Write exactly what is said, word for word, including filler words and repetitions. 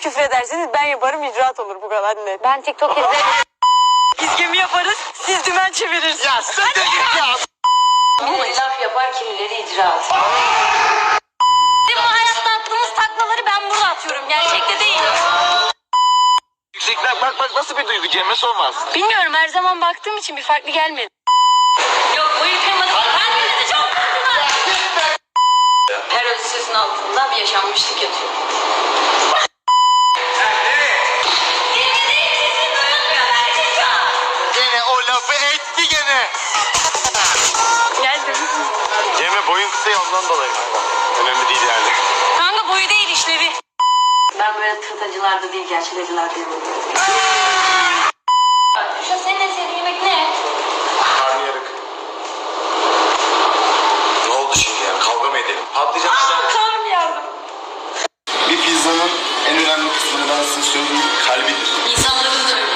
küfür ederseniz ben yaparım, icraat olur, bu kadar net. Ben TikTok izlerim. Biz gemi yaparız, siz dümen çevirirsiniz. Ya sen de git ya. Kimileri laf yapar, kimileri icraat. Bizim bu hayatta attığımız taklaları ben burada atıyorum. Gerçekte değil. Yüksekler bak bak nasıl bir duygu Cem'e sormaz. Bilmiyorum, her zaman baktığım için bir farklı gelmedi. Yok, bu yıkılmadı. Kendinizi çok kırdınız. Her özü sözün altında bir yaşanmışlık yatıyor. Dinlediğim sesini duyulmuyor Berçincan. Gene o lafı etti gene. Geldim. Cem'e boyun kısa ya ondan dolayı. Önemli değil yani. Kanka boyu değil, işlevi. Ben böyle tırtacılarda değil, gerçek acılarda yanıyorum. Şu an senin en sevdiğin yemek ne? Karnıyarık. Ne oldu şimdi yani? Kavga mı edelim? Patlayacak bir şey. Karnım yardım. Bir pizzanın en önemli kısmını ben size söyleyeyim. Kalbidir. İnsanların